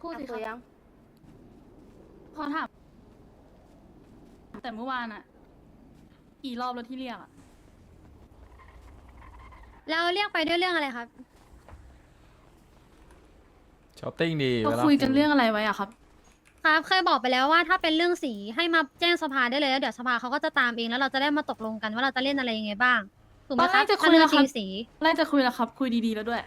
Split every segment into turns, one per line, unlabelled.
พูดสิ
คุย
ค
ยั
รับ
ง
ขอถามแต่เมื่อวานอะกี่รอบแล้วที่เรียกอะ
แล้วเรียกไปด้วยเรื่องอะไรครับ
ช้อปปิ้งดี
เรา
วลา
คุยกันเรื่องอะไรไว้อะครับ
ครับเคยบอกไปแล้วว่าถ้าเป็นเรื่องสีให้มาแจ้งสภาได้เลยแล้วเดี๋ยวสภาเขาก็จะตามเองแล้วเราจะได้มาตกลงกันว่าเราจะเล่นอะไรยังไงบ้างถูกไหม
ตอน
ค
แร
รับ
กจะคุ
ถ้าย เรื่อง
แล้วค
ชิ
รับ
งสี
แรกจะคุยแล้วครับ คุยดีๆแล้วด้วย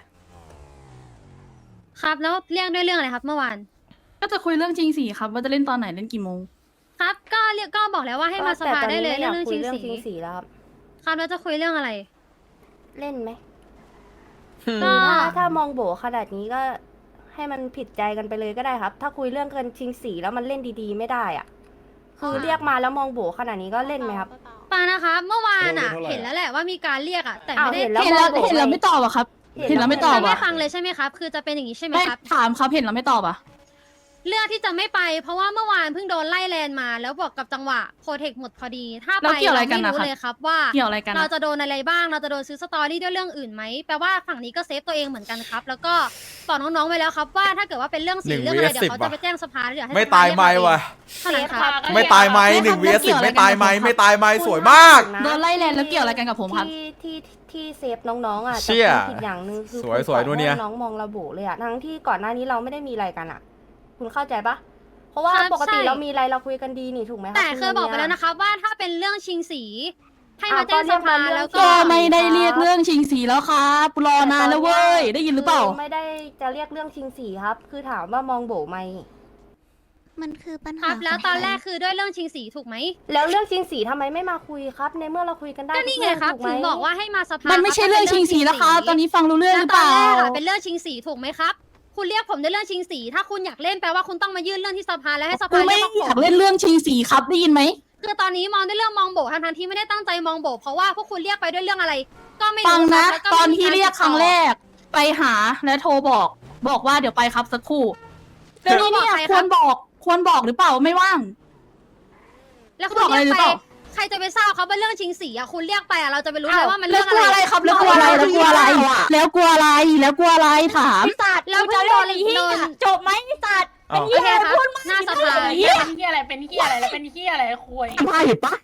ครับแล้วเรียกด้วยเรื่องอะไรครับเมื่อวาน
ก็จะคุยเรื่องจริงสีครับว่าจะเล่นตอนไหนเล่นกี่โมง
ครับก็เรียกก็บอกแล้วว่าให้มาสภาได้เลย
แต่ตอนนี้
เรื่อง
ไม่
ชิง
อยากคุย
สี
เรื่องชิงสีแล้วครับ
ครับแล้วจะคุยเรื่องอะไร
เล่นไหม
ก็
ถ้ามองโบขนาดนี้ก็ให้มันผิดใจกันไปเลยก็ได้ครับ ถ้าคุยเรื่องเกินชิงสีแล้วมันเล่นดีๆไม่ได้อ่ะ คือเรียกมาแล้วมองโบขนาดนี้ก็เล่นไหมครับ
ฟังนะคะเมื่อวานอ่ะ
เท่าไหร่
เห็นแล้วแหละว่ามีการเรียกอ่ะแต่
อ้าว
ไม่ได้
เห็นแล้ว
เห็นแล้ว
มองโบ
เห็นแล้วไม่ตอบอะครับ เห็นแล้วไม่ตอบ
จะไม่
อะ
ฟังเลยใช่ไหมครับ คือจะเป็นอย่างนี้ใช่ไหม
ไม่
ครับ
ถามครับเห็นแล้วไม่ตอบอะ
เลือกที่จะไม่ไปเพราะว่าเมื่อวานเพิ่งโดนไล่แลนมา แล้วบอกกับจังหวะโปรเทคหมดพอดี ถ้าไป
แล้วเกี่ยวอะไร
เรา
กัน
ไม่
นะ
รู้
ครับ
เลยครับว่า
เกี่ยวอะไรกัน
เรา
อะ
จะโดนอะไรบ้าง เราจะโดนซื้อสตอรี่ด้วยเรื่องอื่นไหมแปลว่าฝั่งนี้ก็เซฟตัวเองเหมือนกันครับ แล้วก็บอกน้องๆไว้แล้วครับว่าถ้าเกิดว่าเป็นเรื่องสี
1
เรื่องอะไร
vs
เดี๋ยวเขา
10
จะไปแจ้งสภาแล้วเดี๋ยวให้
ไม่
สภ
ตาย
เรีก
ไหม
เอง
วะ
เท่านั้นครับ
ไม่ตายไหม1 vs 10ไม่ตายไหมไม่ตายไหมสวยมาก
โดนไล่แลนแล้วเกี่ยวอะไรกันกับผมครับ
ที่เซฟน้องๆอ่ะ
เชี่ย
แต่คุณผิดอย่างหนึ่งคือ
สวย
คุณ
สวย
ปล่อ
นู่นเนี่ย
ให้น้องมองระบุเลยอ่ะทั้งที่ก่อนหน้านี้เราไม่ได้มีอะไรกันอ่ะ คุณเข้าใจปะเพราะว่า
ครับ
ปกติ
ใช่
เรามีอะไรเราคุยกันดีนี่ถูกไหมคะ
แต่เคยบอกไปแล้วนะครับว่าถ้าเป็นเรื่องชิงสี ให้มาแจ้งสภาแล้ว
ก็
ก็
ไม่ได้เรียกเรื่องชิงสีแล้วครับรอนานแล้วเว้ย ได้ยินหรือเปล่า
ไม่ได้จะเรียกเรื่องชิงสีครับ คือถามว่ามองโบไหม
มันคือปัญ
ค
หา
รับแล้วตอนแรก
ขง
คือด้วยเรื่องชิงสีถูกไหม
แล้วเรื่องชิงสีทำไมไม่มาคุยครับ ในเมื่อเราคุยกันได้
ก็นี่ไงครับ
ทุก
ถึ
เอง
บอกว่าให้มาสภา
มั
มัน
ไม่ใช่เรื่องชิงสีแล้วครับตอนนี้ฟังรู้เรื่องหรือเปล่า
แล้วตอนแรกอะเป็นเรื่องชิงสีถูกไหมครับ คุณเรียกผมด้วยเรื่องชิงสี ถ้าคุณอยากเล่นแปลว่าคุณต้องมายื่นเรื่องที่สภาแล้วให้ส
กู
ภา
ไม่
เรียก
อยาก
ผม
เล่นเรื่องชิงสีครับได้ยินไหม
คือตอนนี้มองด้วยเรื่องมองโบทั้งที่ไม่ได้ตั้งใจมองโบเพราะว่าพวกคุณเรียกไปด้วยเรื่องอะไร ก็ไม่รู้
ฟังนะ
ครับแล้วก็
ตอน
ไม่มี
ที่เรียกครั้งแรก ไปหาและโทรบอกว่าเดี๋ยวไปครับสักครู่แล้วนี่เนี่ยควรบอกหรือเปล่าไม่ว่าง
แล้วคุณ
บอกอะไร
เรียก
หรือ
ไป
เปล่า
ใครจะไปทราบครับว่าเรื่องชิงสีอะคุณเรียกไปอะเราจะไปรู้
อ้า
เล
ว
ยว่ามัน
แล้
เรื่
ว
อง
ก
อะ
ลัว
ไร
อะไรครับแล้วกลัวอะไรแล้วกลัวอะไรแล้วกลัวอะไรแล้วกลัวอะไรถาม
แล้วเพิ่งโดนโดน
จบไหมไอ้สัตว์
อ้าว
โอเคครับหน้าสภา
เป็นเฮียอะไร เป็นเฮียอะไร แล้วเป็นเฮียอะไรคุย
มาเห็นปะ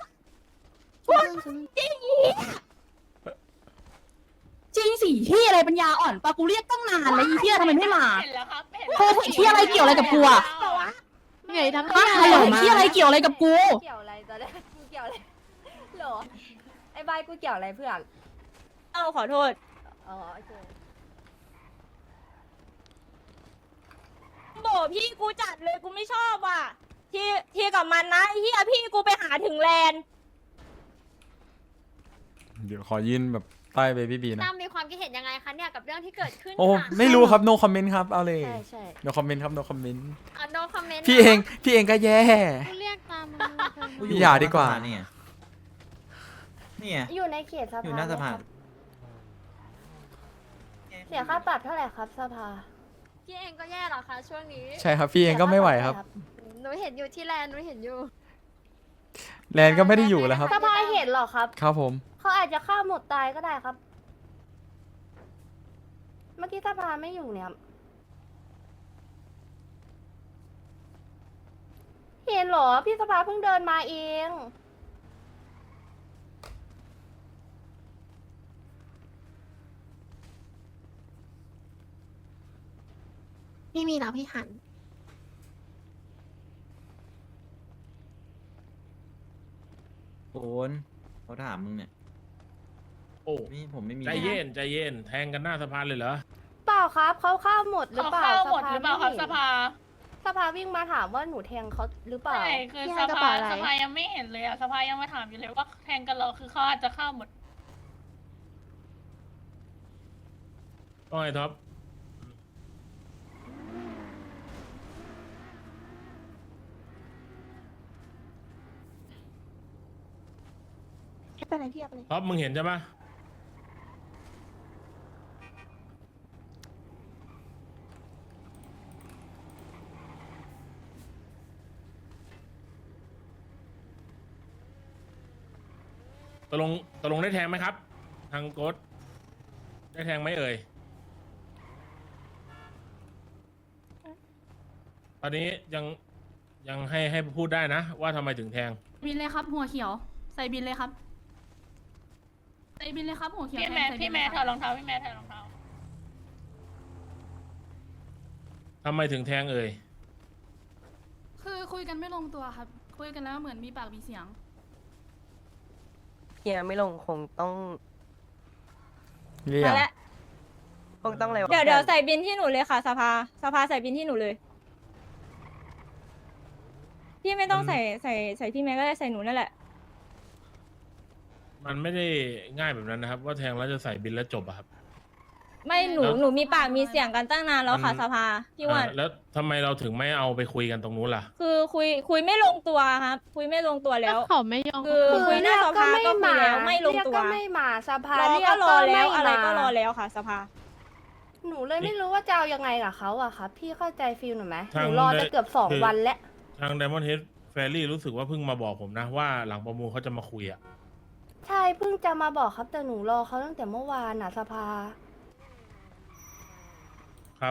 จริงสิที่อะไรปัญญาอ่อนปะกูเรียกตั้งนานแล้วอีเที่ยทำไมไม่มา
เห็นแล้วครับเห็น
โทรเที่ยอะไรเกี่ยวอะไรกับกูอะ
เหนื่อยทำ
ฮะฮัลโหลที่อะไรเกี่ยวอะไรกับกู
เกี่ยวอะไรตอนแรกกูเกี่ยวอะไรเหรอไอ้ใบกูเกี่ยวอะไรเพื่อน
เอาขอโทษ
อ๋อโอเค
โบพี่กูจัดเลยกูไม่ชอบว่ะที่กับมันนะไอ้เฮียพี่กูไปหาถึงแลนด์
เดี๋ยวขอยืนแบบใต้เบบี้บีนะ
ตั้มมีความคิดเห็นยังไงคะเนี่ยกับเรื่องที่เกิดขึ้น
โอ้ไม่รู้ครับ no comment ครับเอาเลย
ใช่ใช่
no comment ครับ no comment
โนคอมเมนต์
พี่เองก็แย่
เรียกตาม
พี่อย่าดีกว่า
นี่ไงนี่ไง
อยู่ในเขตสภา
อยู่หน้าสภา
ไหมครับเสียค่าปรับเท่าไหร่ครับสภา
พี่เองก็แย่เหรอคะช่วงนี้
ใช่ครับพี่เองก็ไม่ไหวครับ
หนูเห็นอยู่ที่แลนด์หนูเห็นอยู่
แลนก็ไม่ได้อยู่แล้วครับ
สภาเห็นเหรอครับ
ครับผม
เขาอาจจะฆ่าหมดตายก็ได้ครับ เมื่อกี้สภาไม่อยู่เนี่ยครับเห็นเหรอ พี่สภาเพิ่งเดินมาเอง
ไม่มีแล้วพี่หัน
โอนเขาถามมึงเนี่ย
โอ้
นี่ผมไม่มี
ใจเย็นใจเย็นแทงกันหน้าสะพานเลยเหรอ
เปล่าครับเขาฆ่าหมดหรือ
เขา
เปล่า
เข้าหมดหรือเปล่าครับ
ไม่
ส
ห็น
ภา
สภาวิ่งมาถามว่าหนูแทงเขาหรือเปล่า
ใช่คือ
พี่
ส
ให้กระ
ภา
เป๋าอะไร
สภายังไม่เห็นเลยอ่ะสภายังมาถามอยู่เลยว่าแทงกันเหรอคือเขาอาจจะเข้าหมด
ว่าไงท็อป
ไม่เป็นไรพี่เอาไปเลย
ท็อปมึงเห็นใช่ปะตกลงได้แทงไหมครับ ทางโกดได้แทงไหมเอ่ยตอนนี้ยังให้พูดได้นะ ว่าทำไมถึงแทง
บินเลยครับ หัวเขียว ใส่บินเลยครับ ใส่บินเลยครับ หัวเขียว
พี่
แท
แม่
งใส่บิ
พี่
น
แม่
เลย
ถ
ค
อ
รับ
ดรองเท้าพี่แม่ถอดรองเท้า
ทำไมถึงแทงเอ่ย
คือคุยกันไม่ลงตัวครับ คุยกันแล้วเหมือนมีปากมีเสียง
เฮียไม่ลงคงต้อง
เรีย
มาก แล้ว
คงต้องอะไรวะ
เดี๋ยวใส่บินที่หนูเลยค่ะสภาใส่บินที่หนูเลย พี่ไม่ต้อง
อืม
ใส่พี่แม่ก็ได้ใส่หนูนั่นแหละ
มันไม่ได้ง่ายแบบนั้นนะครับ ว่าแทงแล้วจะใส่บินแล้วจบอะครับ
ไม่หนู
แล้ว
หนูมีปากมีเสียงกันตั้งนานแล้วค่ะ
มัน
สภาพี่อ้วัน
แล้วทำไมเราถึงไม่เอาไปคุยกันตรงนู้นล่ะ
คือคุยไม่ลงตัวครับ คุยไม่ลงตัวแล้ว
เขาไม่ยอม
คือคุยหน้าสภาก็คุยแล้วไม่ลง
เรียก
ตัว
ก็ไม่มาสภาร
อ
เรีย
ก็
ก
ร
ก็
อ
ไม่
แล้วอะไรก็รอ
มา
แล้วค่ะ สภา
หนูเลยไม่รู้ว่าจะเอายังไงกับเขาอะครับพี่เข้าใจฟีลหนูไหมห
ทาง
นูรอจะเกือบสอง
คือ
วันแล้ว
ทาง Diamond Head Ferry รู้สึกว่าเพิ่งมาบอกผมนะว่าหลังประมูลเขาจะมาคุยอะ
ใช่เพิ่งจะมาบอกครับแต่หนูรอเขาตั้งแต่เมื่อวานน่ะสภา
ครับ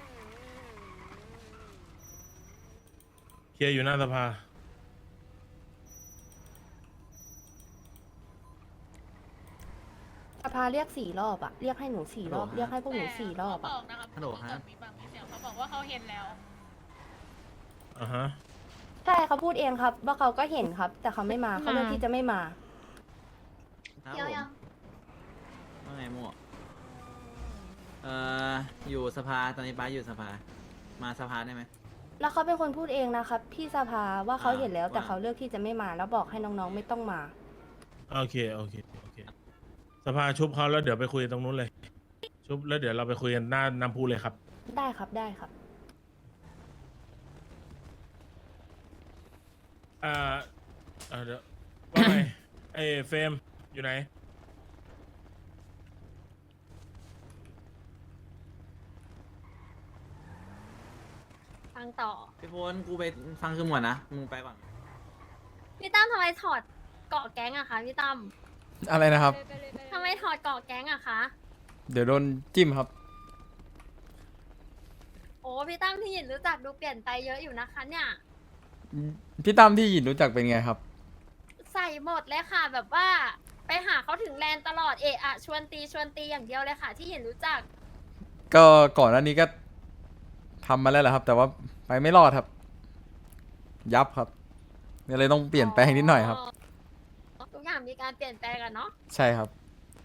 เคลียร์อยู่หน้าสภา
สภาเรียก4 รอบอะเรียกให้หนู4 รอบเรียกให้พวกหนู4 รอบ
เขา
อะ
บอกนะครับ
ฮัลโหลฮะ
มีปากมีเสียงเขาบอกว่าเขาเห็นแล้ว
อ่าฮะ
ใช่เขาพูดเองครับว่าเขาก็เห็นครับ แต่เขาไม่มาเขาเลือกที่จะไม่มา
ครับผมว่าไงมั่วอยู่สภาตอนนี้ป้าอยู่สภา มาสภาได้ไหม
แล้วเขาเป็นคนพูดเองนะครับพี่สภาว่าเขาเห็นแล้ว
ว่า
แต่เขาเลือกที่จะไม่มาแล้วบอกให้น้องๆไม่ต้องมา
โอเค สภาชุบเขาแล้วเดี๋ยวไปคุยตรงนู้นเลย ชุบแล้วเดี๋ยวเราไปคุยกันหน้าน้ำพุเลยครับ
ได้ครับได้ครับ
เดี๋ยวว่าไง ไอ้เฟรมอยู่ไหน
ฟังต่อ
พี่พลกูไปฟังคือหมวดนะ มึงไปก่อน
พี่ตั้มทำไมถอดเกาะแก๊งอะคะพี่ตั้ม
อะไรนะครับ
ทำไมถอดเกาะแก๊งอะคะ
เดี๋ยวโดนจิ้มครับ
โอ้พี่ตั้มที่หยินรู้จักดูเปลี่ยนไปเยอะอยู่นะคะเนี่ย
พี่ตั้มที่หยินรู้จักเป็นไงครับ
ใส่หมดเลยค่ะ แบบว่าไปหาเขาถึงแลนด์ตลอดเอะอะชวนตีอย่างเดียวเลยค่ะ ที่หยินรู้จัก
ก็ก่อนหน้านี้ก็ทำมาแล้วแหละครับ แต่ว่าไปไม่รอดครับ ยับครับก็เลยต้องเปลี่ยนแปลงนิดหน่อยครับ
ทุกอย่างมีการเปลี่ยนแปลงกันเนาะ
ใช่ครับ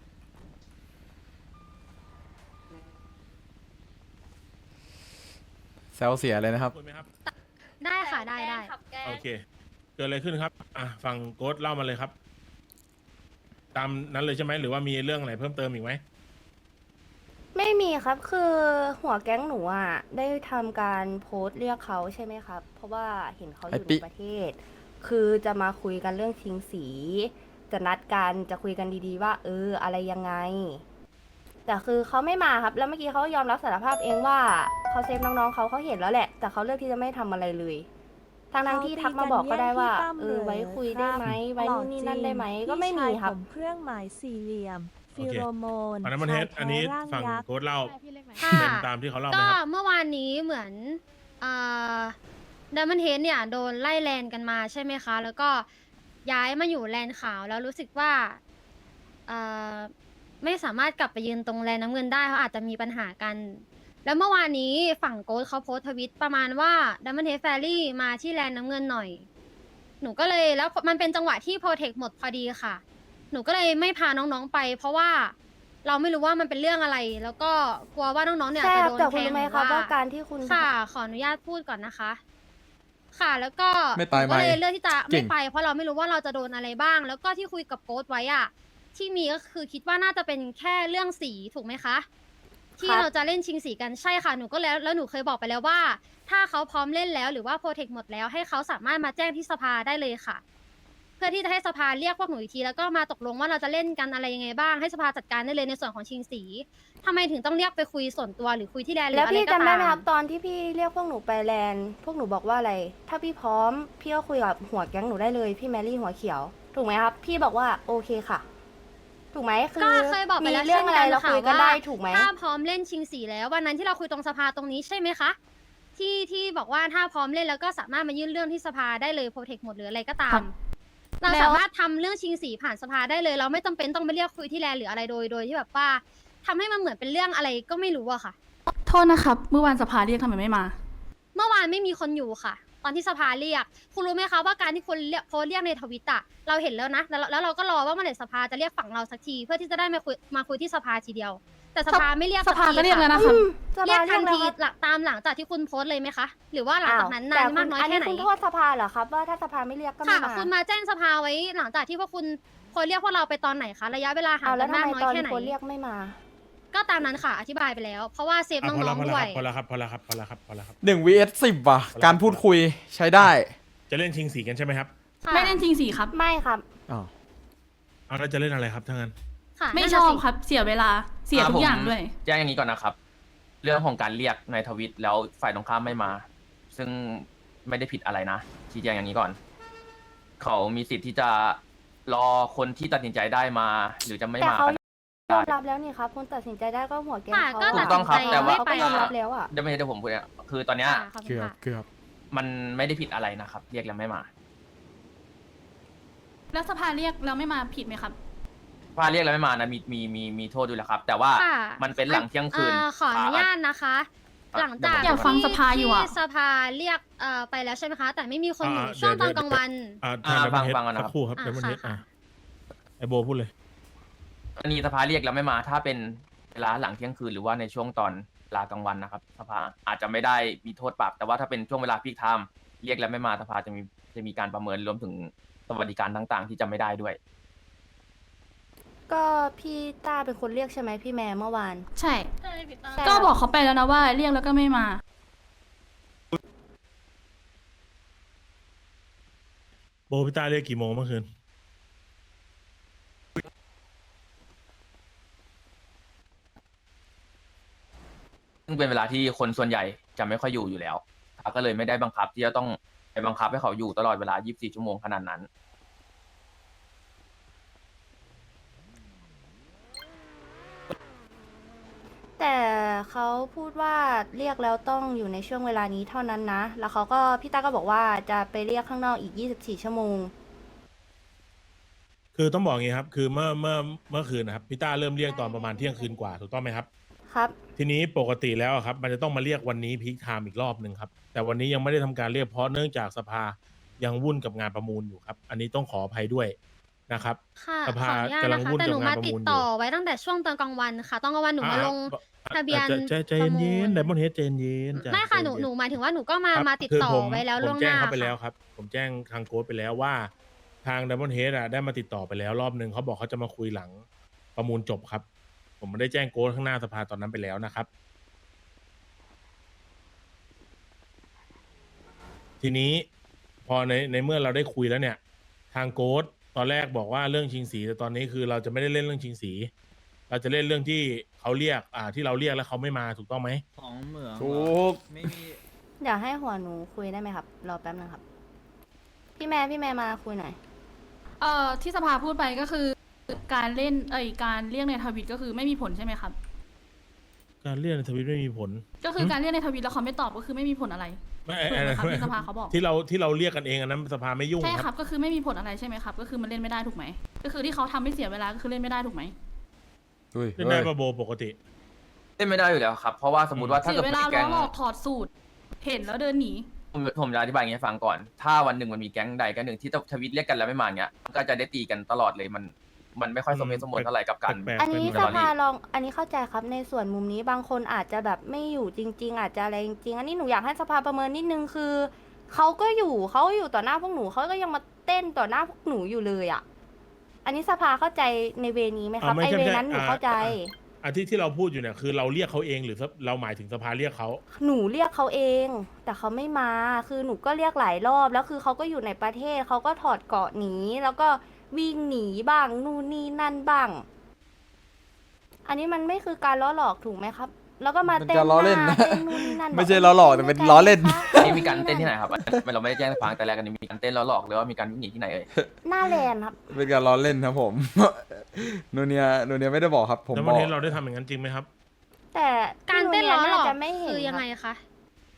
แซวเสียเลยนะครับ
คุยไหมครับ
ได้ค่ะได้
ขับแกล้ง
โอเค เกิดอะไรขึ้นครับ ฝั่งโกดเล่ามาเลยครับ ตามนั้นเลยใช่ไหม หรือว่ามีเรื่องอะไรเพิ่มเติมอีกไหม
ไม่มีครับคือหัวแก๊งหนูอ่ะได้ทำการโพสต์เรียกเขาใช่ไหมครับ เพราะว่าเห็นเขาอยู่
ไอ้ปิ๊
ในประเทศ คือจะมาคุยกันเรื่องชิงสี จะนัดกันจะคุยกันดีๆว่าอะไรยังไง แต่คือเขาไม่มาครับ แล้วเมื่อกี้เขายอมรับสารภาพเองว่าเขาเซฟน้องๆเขาเห็นแล้วแหละ แต่เขาเลือกที่จะไม่ทำอะไรเลยทั้งที่ทักมาบอกก็ได้ว่าไว้คุยได้ไหมไว้นู่นนี่นั่นได้ไหมก็ไม่มีครับ
เครื่องหมายสี่เหลี่ยม
โอ
ฟิ
เค
โรโมน
อันนั้นมันเฮดอันนี้ฝั่งโกดเล่า
ค่ะ
เป็นตามที่เขาเล่าไหม
ก็
ครับ
เมื่อวานนี้เหมือนดัมเบิลเฮดเนี่ยโดนไล่แลนกันมาใช่ไหมคะ แล้วก็ย้ายมาอยู่แลนขาวแล้วรู้สึกว่าไม่สามารถกลับไปยืนตรงแลนน้ำเงินได้เขาอาจจะมีปัญหากัน แล้วเมื่อวานนี้ฝั่งโกดเขาโพสต์ทวิตประมาณว่าดัมเบิลเฮดแฟรี่มาที่แลนน้ำเงินหน่อย หนูก็เลยแล้วมันเป็นจังหวะที่โปรเทคหมดพอดีค่ะ หนูก็เลยไม่พาน้องๆไป เพราะว่าเราไม่รู้ว่ามันเป็นเรื่องอะไร แล้วก็กลัวว่าน้องๆเนี่ย
ใช่
จะ
ครับ
โดน
แต่
แท
คุณ
ง
รู้ไหม
หรือ
ครับว่า
ว่า
การที่คุณ
ค่ะ ขออนุญาตพูดก่อนนะคะ ค่ะแล้วก็
ไม่ตาย
หนูก็เลย
ไหม
เลือกที่จะ
เก่
ไม่
ง
ไป เพราะเราไม่รู้ว่าเราจะโดนอะไรบ้าง แล้วก็ที่คุยกับโค้ชไว้อะที่มีก็คือคิดว่าน่าจะเป็นแค่เรื่องสีถูกไหมคะ ที่เราจะเล่นชิงสีกันใช่ค่ะหนูก็แล้วหนูเคยบอกไปแล้วว่า ถ้าเขาพร้อมเล่นแล้วหรือว่าโปรเทคหมดแล้วให้เขาสามารถมาแจ้งที่สภาได้เลยค่ะ เพื่อที่จะให้สภาเรียกพวกหนูอีกทีแล้วก็มาตกลงว่าเราจะเล่นกันอะไรยังไงบ้างให้สภาจัดการได้เลยในส่วนของชิงสีทำไมถึงต้องเรียกไปคุยส่วนตัวหรือคุยที่แลนหรือ
แล้ว
อะไร
พี่
ก็
จำได้
ตา
ไหมครั
ม
บตอนที่พี่เรียกพวกหนูไปแลนด์พวกหนูบอกว่าอะไร ถ้าพี่พร้อมพี่ก็คุยกับหัวแก๊งหนูได้เลยพี่แมรี่หัวเขียว ถูกไหมครับ พี่บอกว่าโอเคค่ะ ถูกไหมคือ
ก็เคยบอกไป
มี
แล้ว
เรื่องอะไร
ช่น
เรา
ค่ะ
คุยกัน
ว่า
ได้ถูกไหม
ถ้าพร้อมเล่นชิงสีแล้ววันนั้นที่เราคุยตรงสภาตรงนี้ใช่ไหมคะ ทที่บอกว่าถ้าพร้อมเล่นแล้วก็สามารถมายื่นเรื่องที่สภาได้เลยโปรเทคหมดหรืออะไรก็ตา
ครั
ม
บ
เรา
แล้ว
สามารถทำเรื่องชิงสีผ่านสภาได้เลย เราไม่จำเป็นต้องไปเรียกคุยที่แลนด์หรืออะไรโดยที่แบบว่าทำให้มันเหมือนเป็นเรื่องอะไรก็ไม่รู้อะค่ะ
โทษนะครับ เมื่อวานสภาเรียกทำไมไม่มา
เมื่อวานไม่มีคนอยู่ค่ะ ตอนที่สภาเรียก คุณรู้ไหมคะว่าการที่คนเรียกโพสต์เรียกในทวิตอะเราเห็นแล้วนะแล้วเราก็รอว่าเมื่อไหร่สภาจะเรียกฝั่งเราสักที เพื่อที่จะได้มาคุยที่สภาทีเดียว แต่สภาไม่เรียก
สภา
ที
ก็เรียกแล้ว
ค่ะ
นะครับ
เรียกทันที
เรียกแล้วครับ
ตามหลังจากที่คุณโพสต์เลยไหมคะ หรือว่าหลังจากนั้น
แต่
นานมากน้อย
อัน
แค่
นี้
ไหน
คุณโทษสภาเหรอครับ ว่าถ้าสภาไม่เรียกก็ไม่
ค่ะ
มา
คุณมาแจ้งสภาไว้หลังจากที่พวกคุณคนเรียกพวกเราไปตอนไหนคะระยะเวลาห่าง
เอาแล้
กั
วน ทำ
มาก
ไม
น้อย
ตอน
แค่ไหน
คนเรียกไม่มา
ก็ตามนั้นค่ะ อธิบายไปแล้ว เพราะว่าเซฟ
อ่ะ
น้องๆด้วย
พอแล้วครับพอแล้วครับพอแล้วครับพอแล้วครับ
1 vs 10 ว่ะ การพูดคุยใช้ได้
จะเล่นชิงสีกันใช่ไหมครับ
ค่ะ
ไม่เล่นจริงสีครับ
ไม่ครับ
อ้าว
เอาแล้วจะเล่นอะไรครับถ้างั้น
ค่ะ
ไม่
นั่น
ช
น่ะ
อบ
สิ
ครับ เสียเวลา เสียทุกอย่างด้วย
แจ้งอย่างนี้ก่อนนะครับ เรื่องของการเรียกในทวิตแล้วฝ่ายตรงข้ามไม่มา ซึ่งไม่ได้ผิดอะไรนะชี้แจงอย่างนี้ก่อน เขามีสิทธิ์ที่จะรอคนที่ตัดสินใจได้มา หรือจะไม่
แต่
มา
เขา
ก็
ย
ได้
อมรับแล้วนี่ครับคุณตัดสินใจได้ก็หัวแกง
ค่ะ
เขา
ก็
ถูกต้องครับ
ตัดสินใจ
แต่ว่า
เขาก็ยอมรับแล้วอ่ะ
เดี๋ยวผมพูดเนี่ยคือตอนเนี้ย
ค่ะขอบคุณค่ะ
เกือบ
มันไม่ได้ผิดอะไรนะครับ เรียกแล้วไม่มา
แล้วสภาเรียกแล้วไม่มาผิดไหมครับ
ถ้าเรียกแล้วไม่มานะมีโทษด้วยแหละครับ แต่ว่า
ค่ะ
มันเป็นหลังเที่ยงคืน
ขออนุญาตนะคะ หลังจาก
อยากฟังสภาอยู่อะ
ที่สภาเรียกไปแล้วใช่ไหมคะ แต่ไม่มีคนอยู่
อ่า
ช่วงตอน
เดี๋ยว
กลางวัน
ทาง
ฟัง
Diamond Head
ฟังก่อนนะครับ
สักครู่ครับ
อ่า
Diamond Head
ค่ะ
ไอโบพูดเลย
กรณีสภาเรียกแล้วไม่มา ถ้าเป็นเวลาหลังเที่ยงคืนหรือว่าในช่วงตอนเวลากลางวันนะครับ สภาอาจจะไม่ได้มีโทษปรับ แต่ว่าถ้าเป็นช่วงเวลาพีคไทม์เรียกแล้วไม่มาสภาจะมีการประเมินรวมถึงสวัสดิการต่างๆ ที่จะไม่ได้ด้วย
ก็พี่ต้าเป็นคนเรียกใช่ไหมพี่แม่เมื่อวาน
ใช่
ใช่พี่ต้า
ใช่
ก็บอกเขาไปแล้วนะว่าเรียกแล้วก็ไม่มา
โบพิต้าเรียกกี่โมงเมื่อคืน
ซึ่งเป็นเวลาที่คนส่วนใหญ่จะไม่ค่อยอยู่แล้วก็เลยไม่ได้บังคับที่จะต้องไปบังคับให้เขาอยู่ตลอดเวลา 24 ชั่วโมงขนาดนั้น
แต่เขาพูดว่าเรียกแล้วต้องอยู่ในช่วงเวลานี้เท่านั้นนะ แล้วเขาก็พี่ต้าก็บอกว่าจะไปเรียกข้างนอกอีก 24 ชั่วโมง
คือต้องบอกอย่างงี้ครับ คือเมื่อคืนนะครับพี่ต้าเริ่มเรียกตอนประมาณเที่ยงคืนกว่าถูกต้องไหมครับ
ครับ
ทีนี้ปกติแล้วอะครับ มันจะต้องมาเรียกวันนี้พีคไทม์อีกรอบหนึ่งครับ แต่วันนี้ยังไม่ได้ทำการเรียกเพราะเนื่องจากสภายังวุ่นกับงานประมูลอยู่ครับ อันนี้ต้องขออภัยด้วยนะครับ
ค่ะ
ส
ข
ภา
ออนุญาต
กำลั
นะ
ง
คะ
วุ่น
แต่ห
กับ
นู
งาน
มา
ประ
ติ
มู
ด
ลอ
ต่อยู่ ไว้ตั้งแต่ช่วงตอนกลางวันค่ะ ตอนกลางวันหนูมาลง ทะเบียน
ใจเย็น
ประมูล
ไดมอนเฮดใจเย็นจ้
ไม่ค่ะ
ใจ
ห
เย็น
นูหมายถึงว่าหนูก็มา
ครับ
มาติด
คือ
ต่อ
ผม
ไว้แล้ว
ผ
ล่ว
ม
งห
แจ้ง
น้า
เขาไปแล้ว
ค่ะ
ครับ ผมแจ้งทางโค้ดไปแล้วว่า ทางไดมอนเฮดได้มาติดต่อไปแล้วรอบหนึ่งเขาบอกเขาจะมาคุยหลังประมูลจบครับ ผมไม่ได้แจ้งโค้ดข้างหน้าสภาตอนนั้นไปแล้วนะครับ ทีนี้พอในเมื่อเราได้คุยแล้วเนี่ย ทางโค้ดตอนแรกบอกว่าเรื่องชิงสีแต่ตอนนี้คือเราจะไม่ได้เล่นเรื่องชิงสี เราจะเล่นเรื่องที่เขาเรียกที่เราเรียกแล้วเขาไม่มาถูกต้องไหม
ของเหมือง
ถูก
ไม่มี
เดี๋ยวให้หัวหนูคุยได้ไหมครับ รอแป๊บนึงครับ พี่แม่มาคุยหน่อย
ที่สภาพูดไปก็คือ การเล่นการเรียกในทวิตก็คือไม่มีผลใช่ไหมครับ
การเรียกในทวิตไม่มีผล
ก็คือการเรียกในทวิตแล้วเขาไม่ตอบก็คือไม่มีผลอะไร
ไม่
ถูกไหมครับที่สภาเขาบอก
ที่เราเรียกกันเองอันนั้นสภาไม่ยุ่ง
ใช่
ค
ค
รั
รับ บก็คือไม่มีผลอะไรใช่ไหมครับ ก็คือมันเล่นไม่ได้ถูกไหมก็คือที่เขาทำให้เสียเวลาก็คือเล่นไม่ได้ถูกไหม
อุ้ย
เล่นได้ปะโบปกติ
เล่นไม่ได้อยู่แล้วครับ เพราะว่าสมมติว่าถ้า
เสีย
เกิด
เวลา
มีแก๊ง
ล้อหลอกถอดสูตร เห็นแล้วเดินหนี
ผมจะอธิบายอย่างนี้ให้ฟังก่อน ถ้าวันหนึ่งมันมีแก๊งใดแก๊งหนึ่งที่ทวิตเรียกกันแล้วไม่มาเงี้ยมันก็จะได้ตีกันตลอดเลยมันไม่ค่อยสมเหตุสมผลเท่าไหร่กับการ
แปลกๆ
อันนี้
เป็
ส
ตอรี่
ภาลอง อันนี้เข้าใจครับในส่วนมุมนี้บางคนอาจจะแบบไม่อยู่จริง ๆ อาจจะอะไรจริงๆ อันนี้หนูอยากให้สภาประเมินนิดนึงคือเขาก็อยู่ต่อหน้าพวกหนูเขาก็ยังมาเต้นต่อหน้าพวกหนูอยู่เลยอ่ะ อันนี้สภาเข้าใจในเวนี้ไหมครับ
ไม่
ไอ
ใช่
เว
ไม่ใช่
นั้นหนูเข้าใจ
ที่เราพูดอยู่เนี่ยคือเราเรียกเขาเองหรือเราหมายถึงสภาเรียกเขา
หนูเรียกเขาเอง แต่เขาไม่มา คือหนูก็เรียกหลายรอบ แล้วคือเขาก็อยู่ในประเทศ เขาก็ถอดเกราะหนี แล้วก็วิ่งหนีบ้าง นู่นนี่นั่นบ้าง อันนี้มันไม่คือการล้อหลอกถูกไหมครับ แล้วก็มา
มัน
เต้น
จะล้อเล่น
หา
นะ
เต้นนู่นนี่นั่น
ไม่ใช่ล้อหลอกแต่เป็นล้อเล่น
นี่มีการเต้นที่ไหนครับเราไม่ได้แจ้งให้ฟังแต่แรกกันนี้มีการเต้นแล้วหลอกหรือว่ามีการวิ่งหนีที่ไหนเอ่ย
หน้าแลนด์ครับ
เป็นการล้อเล่นครับผม โนเนียไม่ได้บอกครับ ผม
แล้ว
บ
วัน
อก
นี้เราได้ทำอย่างนั้นจริงไหมครับ
แต่
การเต้นล้อหลอก
จะไม่เห็น
คือยังไง
รับ
คะ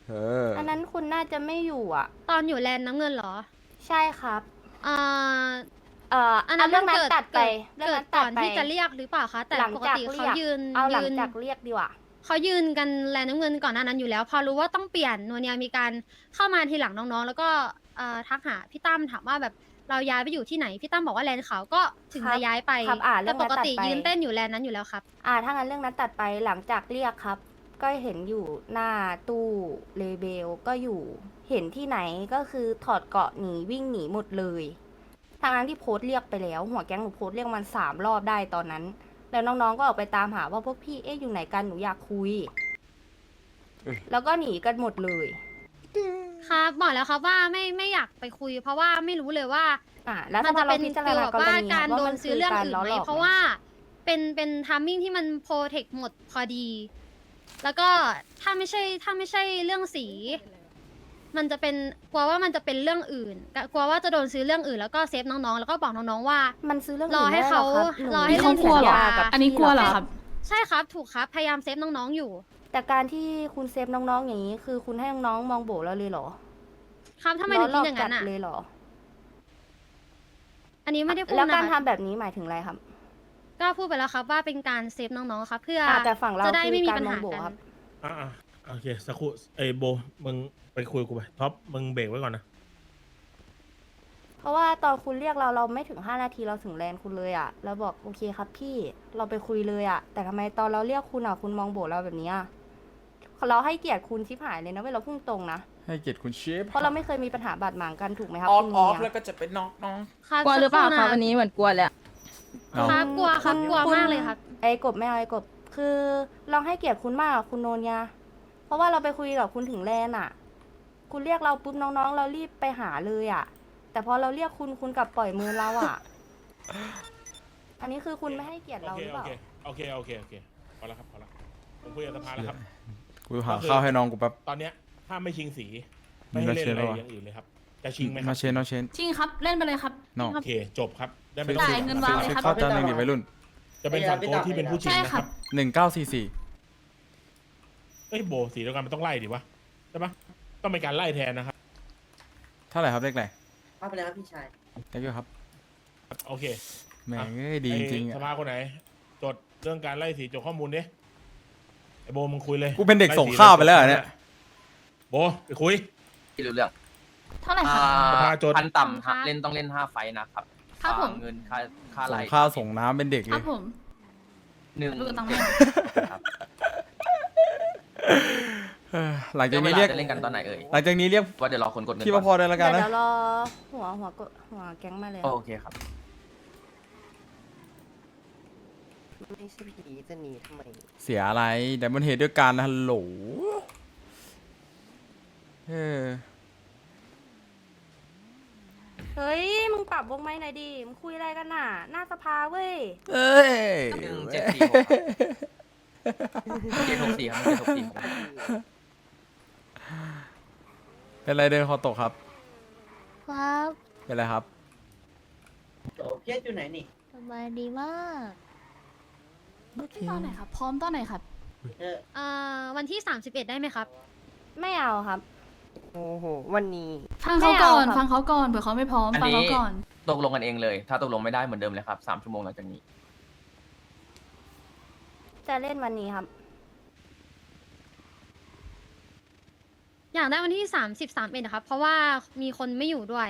อันนั้นคุณน่าจะไม่อยู่อ่ะ
ตอนอยู่แลนด์น้ำเงินเหรอ
ใช่ครับ
อ่า
อันนั้นเรื่องนั้น
เกิด
ตัดไป
เกิดก่อนที่จะเรียกหรือเปล่าคะแต่
หลัง
ปก
จาก
ติ
เรี
เขา
ยก
ยืน
เอาหลัง
ยืน
จากเรียกดีกว่า
เขายืนกันแลนด์น้ำเงินก่อนหน้านั้นอยู่แล้ว พอรู้ว่าต้องเปลี่ยนนัวเนียมีการเข้ามาทีหลังน้องๆ แล้วก็ทักหาพี่ตั้มถามว่าแบบเราย้ายไปอยู่ที่ไหนพี่ตั้มบอกว่าแลนด์ขาวก็ถึง
ครับ
จะย้ายไป
ครับเรื่
แต่
อง
ป
นั้น
ก
ตัด
ติ
ไป
ยืนเต้นอยู่แลนด์นั้นอยู่แล้วครับ
ถ้างั้นเรื่องนั้นตัดไปหลังจากเรียกครับ ก็เห็นอยู่หน้าตู้เลเบลก็อยู่ เห็นที่ไหนก็คือถอดเกราะหนีวิ่งหนีหมดเลยทางนั้นที่โพสต์เรียกไปแล้ว หัวแก๊งหนูโพสต์เรียกมัน3 รอบได้ตอนนั้น แล้วน้องๆก็ออกไปตามหาว่าพวกพี่อยู่ไหนกันหนูอยากคุย แล้วก็หนีกันหมดเลย
ครับบอกแล้วครับว่าไม่อยากไปคุย เพราะว่าไม่รู้เลยว่า
แล้ว
มัน
ถ้า
จะ
เรา
เป็น
พิจาร
ฟีล
ณา
แบบ
กร
ว่า
ณี
การ
ว่า
โด
มัน น
ซื้อเรื่องอื่น
ล้อ
ไห
ห
ม
ลอก
เพราะว่าเป็นทามมิ่งที่มันโปรเทคหมดพอดี แล้วก็ถ้าไม่ใช่เรื่องสี มันจะเป็นกลัวว่ามันจะเป็นเรื่องอื่นกลัวว่าจะโดนซื้อเรื่องอื่นแล้วก็เซฟน้องๆแล้วก็บอกน้องๆว่า
มันซื้อเรื่อง
รอให้
นไม่ได้
เขา
หกคบ
รอ
หนู
ให้
เขากลัวเหรอ
สัญญากับ
อันนี้กลัวเหรอ
พี่
ครับ
ใช่ครับถูกครับพยายามเซฟน้องๆอยู่
แต่การที่คุณเซฟน้องๆอย่างนี้ คือคุณให้น้องๆมองโบเราเลยเหรอ
ครับทำไมถึงคิดอย่างนั้น
ล้
อ่ะ
หลกจัดเลยเหรอ
อันนี้ไม่ได้พูด
แล้ว
นะ
การ
ครับ
ทำแบบนี้หมายถึงอะไรครับ
ก็พูดไปแล้วครับว่าเป็นการเซฟน้องๆครับเพื่อ
แต่ฝั่งเรา
จะได้
คือ
ไม่มี
การ
ปัญ
มอง
หา
โบ
กัน
ครับ
โอเคสักครู่โบมึงไปคุยกับกูไปท็อปมึงเบรกไว้ก่อนนะ
เพราะว่าตอนคุณเรียกเราไม่ถึง5 นาทีเราถึงแลนด์คุณเลยอ่ะเราบอกโอเคครับพี่เราไปคุยเลยอ่ะแต่ทำไมตอนเราเรียกคุณอ่ะคุณมองโบเราแบบนี้อ่ะเราให้เกียรติคุณชิบหายเลยนะเว้ยเราพุ่งตรงนะ
ให้เกียรติคุณเชฟ
เพราะเราไม่เคยมีปัญหาบาดหมางกันถูกไหมครับ
ออฟ
คุณ
ออฟ
เมีย
แล้วก็จะเป็นน้องน้อง
ครับ
กลัวหรือเปล่าครับ
สัก
วันนี้เหมือนกลัวเลยอะ
ครับกลัวครับกลัวมากเลยครับ
ไอ้กบไม่เอาไอ้กบคือเราให้เกียรติคุณมากอะคุณโนนยาเพราะว่าเราไปคุยกับคุณถึงแลนด์อ่ะ คุณเรียกเราปุ๊บน้องๆ เรารีบไปหาเลยอ่ะ แต่พอเราเรียกคุณกลับปล่อยมือเราอ่ะ อันนี้คือคุณไม่ให้เกียรติเราหรือเปล่า
โอเคพอแล้วครับพอแล้วผมคุยกับสภาแล้วครับ
กูหาข้าวให้น้องกูแป๊บ
ตอนเนี้ยถ้าไม่ชิงสีไม่ให้เล่นอะไรอย่างอื่นเลยครับจะชิงไหมค
มา
รับ
เชนน้องเชน
จริงครับ เล่นไปเลยครับ
น้อง
โอเคจบครับได้ไม่
จ่ายเงินวางเลยครับ
ข้าวจานหนึ่งดิวัยรุ่น
จะเป็นฝั่งโค้ชที่เป็นผู้ชิง
ใช่
นะ
ค
ค
รั
รับ บ
1944
เอ้ยโบสีเดียวกันมันต้องไล่ดิวะใช่ปะต้องเป็นการไล่แทนนะครับ
เท่าไหร่ครับเลขไหน
เอาไปเลยครับพี่ชาย
เลขเยอะครับ
โอเค
แหม่งเอ้ยดีจริงๆ
ไอ้ส
อะ
ภาคนไหน จดเรื่องการไล่สีจดข้อมูลดิไอโบมึงคุยเลย
กูเป็นเด็กส่งข้าวไปแล้วเหรอเนี่ย
โบไปคุย
ที่รู้เรื่อง
เท่าไหร่ครับ
สภาจด
พันต่ำ
ครับ
เล่นต้องเล่น5 ไฟต์นะครับ
ครับผม
เงินค่า
ส่
ไล่
งข้าวส่งน้ำเป็นเด็ก
ค
เล
รั
ย
บผม
หนึ่ง
ดูตังค์
ครับ
หลังจาก
เว
นี้
ลา
เรียก
จะเล่นกันตอนไหนเอ่ย
หลังจากนี้เรียก
ว่าเดี๋ยวรอคนกดเงิน
พี่ว่าพ
ก่
อ
อน
ได้แล้วกัน
เดี๋
นะ
ยวรอหัวแก๊งมาเลย
โอเคครับ
ไม่ใช่ผีจะหนีทำไม
เสียอะไรแต่มันเหตุด้วยกันนะฮัลโหลเออ
เฮ้ย มึงปรับวงไม้หน่อยดิ มึงคุยอะไรกันน่ะ หน้าสภาเว้ย
เอ้ย
1746ครับ764ครับ
เป็นไรเดินคอตกครับ
ครับ
เป็นไรครับ
โอ้เพียรอยู่ไหนนี่
สบายดีมาก
ตอนไหนครับ พร้อมตอนไหนครับ
วันที่ 31 ได้ไหมครับ
ไม่เอาครับ
โอ้โห วันนี้
ฟังเขาก่อน
ไม่เอาครับ
ฟังเขาก่อนเผื่อเขาไม่พร้อม
อัน
ฟัง
นี้
เขาก่อน
ตกลงกันเองเลย ถ้าตกลงไม่ได้เหมือนเดิมเลยครับ3 ชั่วโมงหลังจากนี้
จะเล่นวันนี้ครับ
อยากได้วันที่31นะครับ เพราะว่ามีคนไม่อยู่ด้วย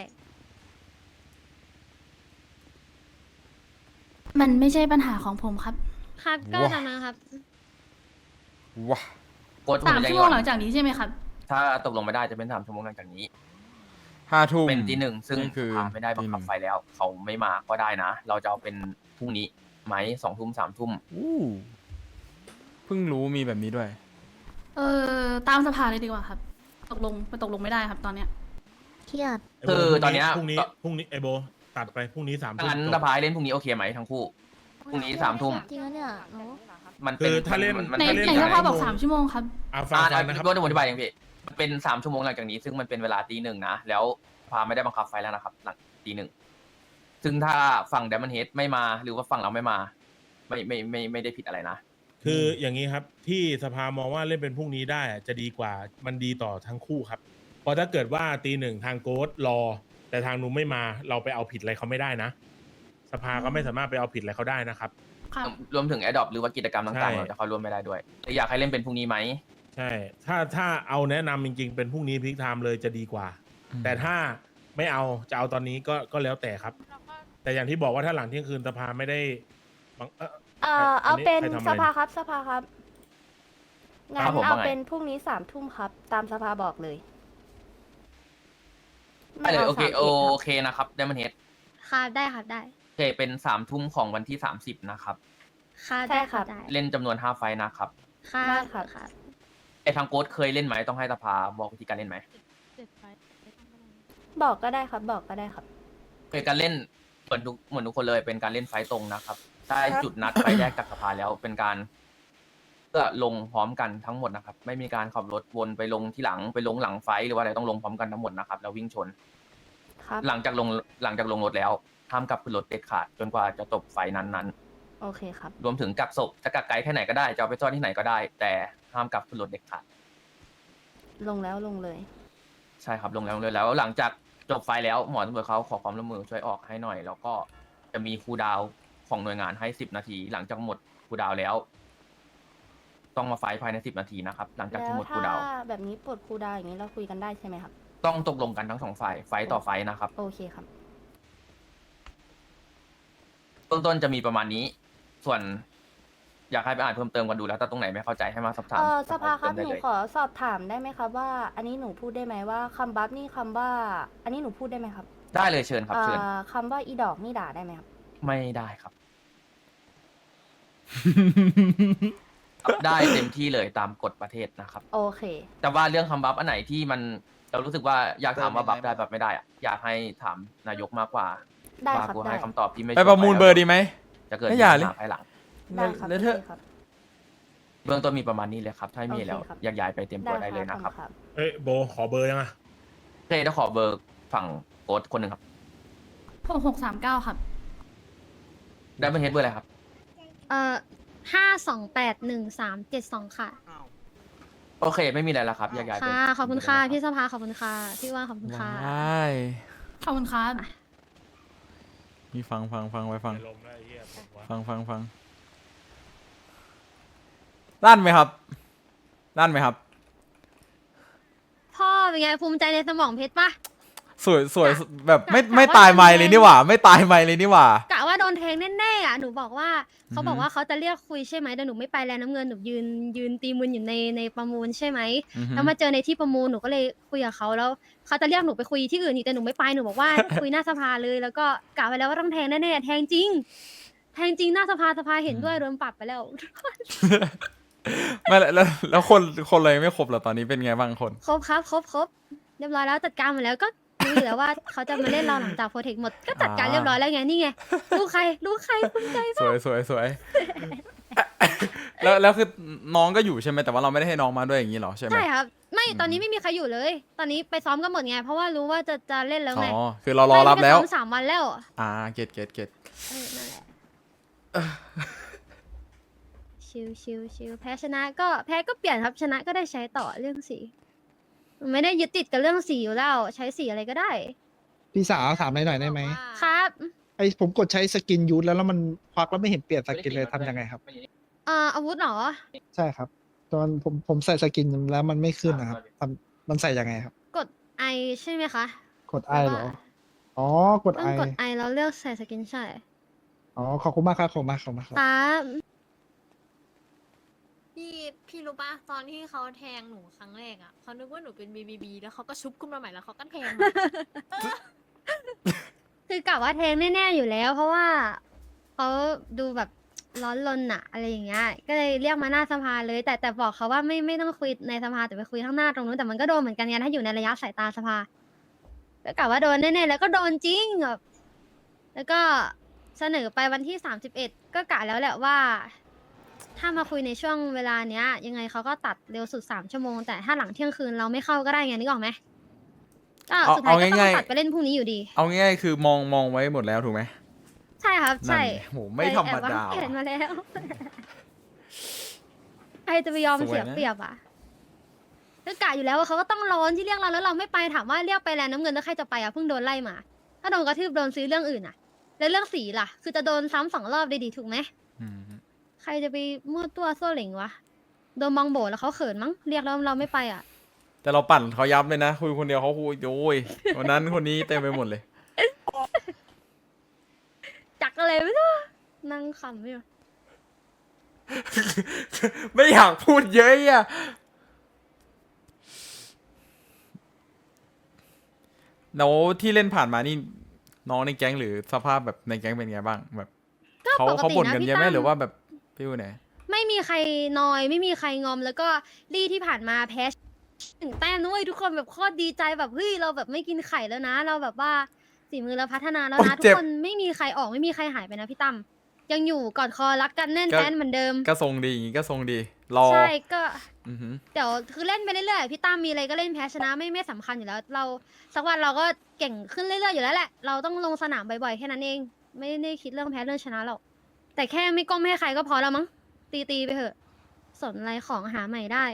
มันไม่ใช่ปัญหาของผมครับ
ครับก็
ว้า
ตามนั้นครับ
ว้า
โค้ช
3 ชั่วโมงหลังจากนี้ใช่ไหมครับ
ถ้าตกลงไม่ได้จะเป็น3 ชั่วโมงหลังจากนี้
5 ทุ่ม
เป็นที่1ซึ่ง
นี่คือ
พาไม่ได้บังคับ
ตี
ไฟแล้ว เขาไม่มาก็ได้นะ เราจะเอาเป็นพรุ่งนี้ไหม2 ทุ่ม3 ทุ่ม
อู้เพิ่งรู้มีแบบนี้ด้วย
ตามสภาเลยดีกว่าครับ ตกลงไม่ได้ครับตอนเนี้ย
เครียด
ไโบ
คือตอนเนี้ย
พรุ่งนี้ไอโบตัดไปพรุ่งนี้3 ทุ่ม
งั้น
จ
ส
บ
ภาเล่นพรุ่งนี้โอเคไหมทั้งคู่ พรุ่งนี้3 ทุ่ม
จริงแล้วเนี่ยหนู
มัน
คื
เป็น
อถ้าเล่น
มัน
ไหน
เป็น
ไหนสภาบอก3 ชั่วโมงครับ
ฟัง
อ่า
นะครับ
ก็จะอธิบายอย่างพี่มันเป็น3 ชั่วโมงหลังจากนี้ ซึ่งมันเป็นเวลาตี 1นะ แล้วพาไม่ได้บังคับไฟแล้วนะครับ หลังตี 1ซึ่งถ้าฝั่ง Diamond Head ไม่มาหรือว่าฝั่งเราไม่มา ไม่ได้ผิดอะไรนะ
คืออย่างนี้ครับที่สภามองว่าเล่นเป็นพรุ่งนี้ได้อะจะดีกว่ามันดีต่อทั้งคู่ครับเพราะถ้าเกิดว่าตีหนึ่งทางโกสรอ แต่ทางนู้นไม่มาเราไปเอาผิดอะไรเขาไม่ได้นะ สภาก็ไม่สามารถไปเอาผิดอะไรเขาได้นะครับ
ครับ
รวมถึงแอดดอปหรือว่ากิจกรรมต่าง
ใช่
ๆเราจะเข้าร่วมไม่ได้ด้วยอยากให้เล่นเป็นพรุ่งนี้ไหม
ใช่ถ้าเอาแนะนำจริงๆเป็นพรุ่งนี้พิกไทม์เลยจะดีกว่า แต่ถ้าไม่เอาจะเอาตอนนี้ก็แล้วแต่ครับ แต่อย่างที่บอกว่าถ้าหลังเที่ยงคืนสภาไม่ได้บัง
เอาเป็น
ใครทำอะไร
สภาครับสภาครับงั้
ครั
น
บผม
เอา
ว่าไง
เป็นพรุ่งนี้3 ทุ่มครับ ตามสภาบอกเลย
ได้เลย
า
โอเค
31
โอ
ครับ
เคนะครับได้มันเฮด
ค่ะได้ค่ะได้
โอเคเป็น3 ทุ่มของวันที่30นะครับ
ค่ะ
ใช่
ได้
ครั
ค่ะ
บ
ได้
เล่นจำนวน5ไฟล์นะครับ
ค่ะ
ได้ครับ
ค่ะ
ไอทางโกสเคยเล่นไหมต้องให้สภาบอกวิธีการเล่นไหม
บอกก็ได้ครับ บอกก็ได้ครับ
เคยการเล่นเหมือนทุกคนเลยเป็นการเล่นไฟต์ตรงนะครับได้จุดนัดไฟแยกจากสภาแล้วเป็นการเพื่อลงพร้อมกันทั้งหมดนะครับ ไม่มีการขับรถวนไปลงที่หลังไปลงหลังไฟต์หรือว่าอะไรต้องลงพร้อมกันทั้งหมดนะครับแล้ววิ่งชน
ครับ
หลังจากลงรถแล้วห้ามกลับขึ้นรถเด็ดขาดจนกว่าจะจบไฟต์นั้น
โอเคครับ
ๆรวมถึงกักศพจะกักไกลแค่ไหนก็ได้จะเอาไปซ่อนที่ไหนก็ได้ แต่ห้ามกลับขึ้นรถเด็ดขาด
ลงแล้วลงเลย
ใช่ครับลงแล้วเลยแล้วหลังจากจบไฟล์แล้วหมอตำรวจเขาขอความร่วมมือช่วยออกให้หน่อย แล้วก็จะมีคูลดาวน์ของหน่วยงานให้10 นาที หลังจากหมดคูลดาวน์แล้ว ต้องมาไฟล์ภายใน10 นาทีนะครับหลังจาก
แล้
ที่
ว
หมดคู
ถ้า
ลดาวน์
แบบนี้ปลดครูดาวอย่างนี้เราคุยกันได้ใช่ไหมครับ
ต้องตกลงกันทั้ง2 ฝ่ายไฟล์ต่อไฟล์นะครับ
โอเคครับ
เบื้องต้นจะมีประมาณนี้ ส่วน อยากให้ไปอ่านเพิ่มเติมกันดูแล้วถ้าตรงไหนไม่เข้าใจให้มาสอบถาม
สภาครับ
เพิ่ม
ห
เติมได้
นู
เลย
ขอสอบถามได้ไหมครับว่า อันนี้หนูพูดได้ไหมว่าคำบัฟนี่คำว่า อันนี้หนูพูดได้ไหมครับ
ได้เลยเชิญครับเชิญ
คำว่าอีดอกนี่ด่าได้ไหมครับ
ไม่ได้ครับ ได้เต็มที่เลยตามกฎประเทศนะครับ
โอเค
แต่ว่าเรื่องคำบัฟอันไหนที่มันเรารู้สึกว่าอยากถามว่าบัฟได้บัฟไม่ได้อะอยากให้ถามนายกมากกว่า
ได้
ว่า
ครับ
กู
ได้
ให้คำตอบที่ไม่
ไปประมูลเบอร์ดีไหม
จะเกิด
ไม่อย่าเลย
ปัญหภายหลัง
ได้ครับ
แล้วเธอ
โอเคครับ
เบื้องต้นมีประมาณนี้เลยครับ ถ้าไม่มีแล้ว
โอเคครับ
อยากย้ายไปเต็มตัวได้เลยนะครับ
ขอณ
เอ้ยโบขอเบอร์ยังอะ
เต้จะขอเบอร์ฝั่งโค้ดคนหนึ่งครับ
6639 ครับ
ได้เป็นเฮดเบอร์อะไรครับ
5281372ค่ะ
โอเค ไม่มีอะไรแล้วครับอยากย้ายไป
ค่ะขอบคุณค่ะ
เต็มตัว
พี่สภาขอบคุณค่ะพี่ว่าขอบคุณค่ะ
ว้าย
ขอบคุณครับ
มีฟังไปฟัง
ไปลมแล้วไอ้เหี้ยผมว่า
ฟังลั่นไหมครับ
พ่อเป็นไงภูมิใจในสมองเพชรปะ
สวยแบบไม่ตายไม่เลยนี่หว่า ไม่ตายไม่เลยนี่หว่า
กะว่าโดนแทงแน่ๆอ่ะหนูบอกว่าเขาบอกว่าเขาจะเรียกคุยใช่ไหมแต่หนูไม่ไปแลน้ำเงินหนูยืนตีมืออยู่ในประมูลใช่ไหม
อือฮึ
แล้วมาเจอในที่ประมูลหนูก็เลยคุยกับเขาแล้วเขาจะเรียกหนูไปคุยที่อื่นอีกแต่หนูไม่ไปหนูบอกว่า คุยหน้าสภาเลยแล้วก็กะไว้แล้วว่าต้องแทงแน่ๆแทงจริงหน้าสภาเห็นด้วยโดนปรับไปแล้ว
ไม่แล้วคนเลยไม่ครบเหรอตอนนี้เป็นไงบ้างคน
ครบครับครบเรียบร้อยแล้วจัดการหมดแล้วก็รู้อยู่แล้วว่าเขาจะมาเล่นเราหลังจากโปรเทคหมดก็จัดการเรียบร้อยแล้วไงนี่ไงลูกใครภูมิใจ
สวย แล้วคือน้องก็อยู่ใช่ไหมแต่ว่าเราไม่ได้ให้น้องมาด้วยอย่างนี้เหรอใช่ไหม
ใช่ครับไม่ตอนนี้ไม่มีใครอยู่เลย ตอนนี้ไปซ้อมกันหมดไงเพราะว่ารู้ว่าจะเล่นแล้วไง
อ๋อคือเรารอรับแล้ว
ไม่ได้ไปซ้อม3 วันแล้ว
เก็ต
นั่นแหละชิวแพ้ชนะก็แพ้ก็เปลี่ยนครับชนะก็ได้ใช้ต่อเรื่องสีไม่ได้ยึดติดกับเรื่องสีอยู่แล้วใช้สีอะไรก็ได้
พี่สาวถามหน่อยได้ไหม
ครับ
ไอผมกดใช้สกินยูทแล้วมันควักแล้วไม่เห็นเปลี่ยนสกินเลยทำยังไงครับ
อาวุธเหรอ
ใช่ครับ ตอนผมใส่สกินแล้วมันไม่ขึ้นนะครับมันใส่ยังไงครับ
กดไอใช่ไหมคะ
กดไอเหรอ อ๋อกด
ต้
ไอ
องกดไอแล้วเลือกใส่สกินใช่
อ๋อขอบคุณมากครับขอบคุณมากครับ
ครับ
พี่รู้ปะตอนที่เขาแทงหนูครั้งแรกอ่ะเขานึกว่าหนูเป็นบีแล้วเขาก็ชุบขึ้นมาใหม่แล้วเขาก็แทง
คือกะว่าแทงแน่ๆอยู่แล้ว เพราะว่าเขาดูแบบร้อนรนอะอะไรอย่างเงี้ยก็เลยเรียกมาหน้าสภาเลย แต่บอกเขาว่าไม่ต้องคุยในสภาแต่ไปคุยข้างหน้าตรงนู้นแต่มันก็โดนเหมือนกันไงถ้าอยู่ในระยะสายตาสภาก็กะว่าโดนแน่ๆแล้วก็โดนจริงแบบแล้วก็เสนอไปวันที่31ก็กะแล้วแหละว่า ถ้ามาคุยในช่วงเวลาเนี้ย ยังไงเขาก็ตัดเร็วสุด3 ชั่วโมงแต่ถ้าหลังเที่ยงคืนเราไม่เข้าก็ได้ไงนึกออกไหมก็สุดท้ายก็ต้องตัดไปเล่นพรุ่งนี้อยู่ดี
เอาง่ายๆคือมองไว้หมดแล้วถูกไหม
ใช่ครับใช่
นั่นโหไม่ธรรมดา
เห็นมาแล้วใครจะไปยอม
สวยนะ
เสียเปรียบอ่ะก็กะอยู่แล้วว่าเขาก็ต้องร้อนที่เรียกเราแล้วเราไม่ไปถามว่าเรียกไปแลนด์น้ำเงินแล้วใครจะไปอ่ะเพิ่งโดนไล่มา ถ้าโดนกระทืบโดนซื้อเรื่องอื่นอ่ะ แล้วเรื่องสีล่ะ คือจะโดนซ้ำ2 รอบได้ดีถูกไหม
อืม
ใครจะไปมั่วตัวโซ่เหล่งวะโดนมองโบแล้วเขาเขินมั้งเรียกแล้วเราไม่ไปอ่ะ
แต่เราปั่นเขายับเลยนะ คุยคนเดียวเขาคุยโอ้ยวันนั้นคนนี้เต็มไปหมดเลย
จักอะไรไม่รู้นั่งขำอยู่
ไม่อยากพูดเยอะอ่ะแล้วที่เล่นผ่านมานี่น้องในแก๊งหรือสภาพแบบในแก๊งเป็นไงบ้างแบบ
ก็
เขา
ปกติ
เขาบ่น
นะ
กัน
พี่
เยอะไหม
ตั้ม
หรือว่าแบบฟิวไหน
ไม่มีใครนอยไม่มีใครงอมแล้วก็ลี่ที่ผ่านมาแพ้1 แต้มนุ้ยทุกคนแบบโคตรดีใจแบบเฮ้ยเราแบบไม่กินไข่แล้วนะ เราแบบว่าฝีมือเราพัฒนาแล้วนะทุกคนไม่มีใครออกไม่มีใครหายไปนะพี่ตั้มยังอยู่กอดคอรักกันแน่นแฟ้นเหมือนเดิม
ก็ทรงดีอย่างงี้ก็ทรงดีรอ
ใช่ก็
อือหือ
เดี๋ยวคือเล่นไปเรื่อยๆพี่ตั้มมีอะไรก็เล่นแพ้ชนะไม่สำคัญอยู่แล้ว เราสักวันเราก็เก่งขึ้นเรื่อยๆอยู่แล้วแหละเราต้องลงสนามบ่อยๆแค่นั้นเองไม่ได้คิดเรื่องแพ้เรื่องชนะหรอกแต่แค่ไม่ก้มให้ใครก็พอแล้วมั้งตีไปเถอะสนอะไรของหาใหม่ได้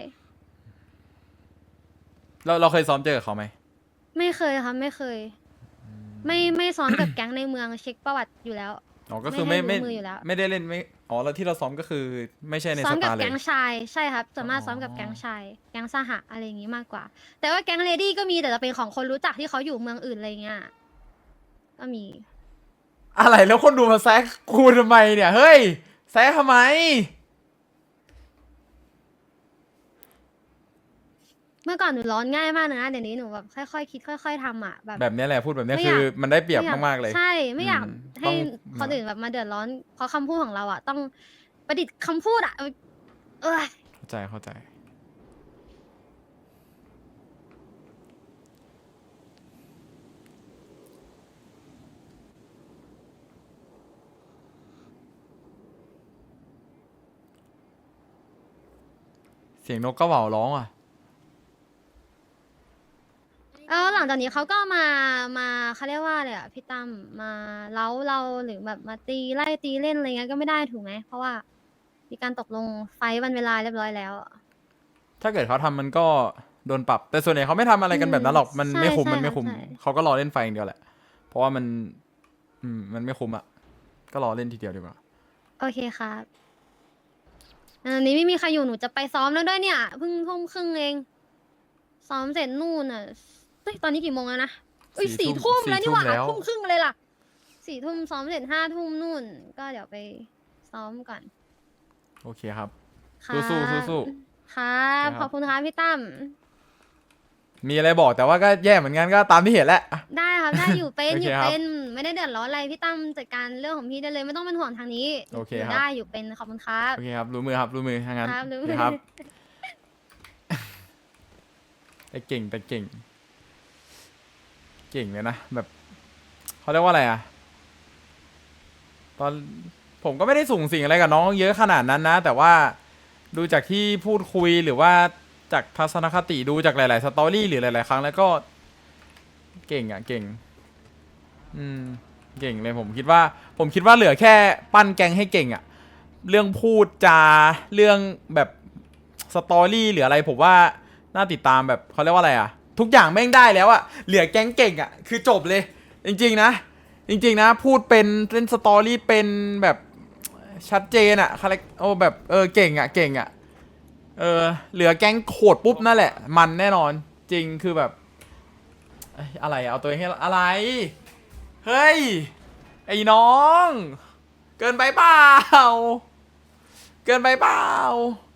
เราเคยซ้อมเจอกับเขาไหม
ไม่เคยครับไม่เคย ไม่ซ้อมกับแก๊งในเมืองเช็คประวัติอยู่แล้ว
อ๋อก็คือ
ไม่
ไม่
ให้รู้มืออยู่แล้ว
ไม่ได้เล่นไม่อ๋อแล้วที่เราซ้อมก็คือไม่ใช่ใน
ซ้อ
ส
มกับ
ตาร์เลย
แก๊งชายใช่ครับส่วนมาก
อ๋อ
ซ้อมกับแก๊งชายแก๊งสหะอะไรอย่างงี้มากกว่า แต่ว่าแก๊งเลดี้ก็มีแต่จะเป็นของคนรู้จักที่เขาอยู่เมืองอื่นอะไรเงี้ยก็มี
อะไรแล้วคนดูมาแซกกูทำไมเนี่ยเฮ้ยแซกทำไม
เมื่อก่อนหนูร้อนง่ายมากนะเดี๋ยวนี้หนูแบบค่อยๆคิดค่อยๆทำอ่ะแบบ
แบบเนี้ยแหละพูดแบบเนี้ย
ไม่
คื
อยาก
อมันได้เปรียบ
ไอย
มากๆเลย
ใช่ไม่อยาก
อืม
ให้
ต้อง
คนอื่นแบบมาเดือดร้อน เพราะคำพูดของเราอ่ะ ต้องประดิษฐ์คำพูดอ่ะเออ
เข้าใจเสียงนกกระเหว่าร้องอ่ะ
แล้วหลังจากนี้เขาก็มาเขาเรียกว่าอะไรอ่ะพี่ตั้มมาเล้าเราหรือแบบมาตีไล่ตีเล่นอะไรเงี้ยก็ไม่ได้ถูกไหมเพราะว่ามีการตกลงไฟท์วันเวลาเรียบร้อยแล้ว
ถ้าเกิดเขาทำมันก็โดนปรับ แต่ส่วนใหญ่เขาไม่ทำอะไรกันแบบนั้นหรอก มัน
ใช่
ไม่คุ้ม
ใช่
มันไม่คุ้ม
ใช่
เขาก็รอเล่นไฟอย่างเดียวแหละ เพราะว่ามัน มันไม่คุ้มอ่ะ ก็รอเล่นทีเดียวดีกว่า
โอเคครับอันนี้ไม่มีใครอยู่หนูจะไปซ้อมแล้วด้วยเนี่ยเพิ่งทุ่มครึ่งเองซ้อมเสร็จนู่นอ่ะเฮ้ยตอนนี้กี่โมงแล้วนะอุ้ย
สี่
4
ทุ่
ทุ่
ม
มแล้วนี่หว่า
4 ทุ่มแล้ว
ทุ่มครึ่งเลยล่ะ4 ทุ่มซ้อมเสร็จ5 ทุ่มนู่น ก็เดี๋ยวไปซ้อมก่อน
โอเคครับ
ครับ
สู้ๆสู้
ครับ
ครับ
ขอบคุณครับพี่ตั้ม
มีอะไรบอกแต่ว่าก็แย่เหมือนกันก็ตามที่เห็นแหละอ่ะ
ได้ครับ ได้อยู่เป็น
โอ
อ
เค
ยู่
ครับ
เป็นไม่ได้เดือดร้อนอะไรพี่ตั้มจัดการเรื่องของพี่ได้เลยไม่ต้องเป็นห่วงทางนี้
โอเค
ยู่
ครับ
ได้อยู่เป็นขอบคุณครับ
โอเคครับ รู้มือครับรู้มือทางนั้น
ครับรู้
โอ
มื
เค
อ
ครับ แต่เก่งเก่งเลยนะแบบเขาเรียกว่าอะไรอ่ะ ตอนผมก็ไม่ได้สูงสิงอะไรกับน้องเยอะขนาดนั้นนะ แต่ว่าดูจากที่พูดคุยหรือว่าจากทัศนคติดูจากหลาย ๆ สตอรี่หรือหลาย ๆ ครั้งแล้วก็ เก่งอ่ะเก่ง เก่งเลยผมคิดว่าเหลือแค่ปั้นแกงให้เก่งอ่ะ เรื่องพูดจาเรื่องแบบสตอรี่หรืออะไรผมว่าน่าติดตามแบบเขาเรียกว่าอะไรอ่ะ ทุกอย่างแม่งได้แล้วอ่ะเหลือแก๊งเก่งอ่ะคือจบเลย จริงๆนะ พูดเป็นเล่นสตอรี่เป็นแบบชัดเจนอ่ะคาแรคโอ้แบบเก่งอ่ะเหลือแก๊งโขดปุ๊บนั่นแหละมันแน่นอนจริงคือแบบอะไรอะเอาตัวเองให้อะไรเฮ้ยไอ้น้องเกินไปเปล่า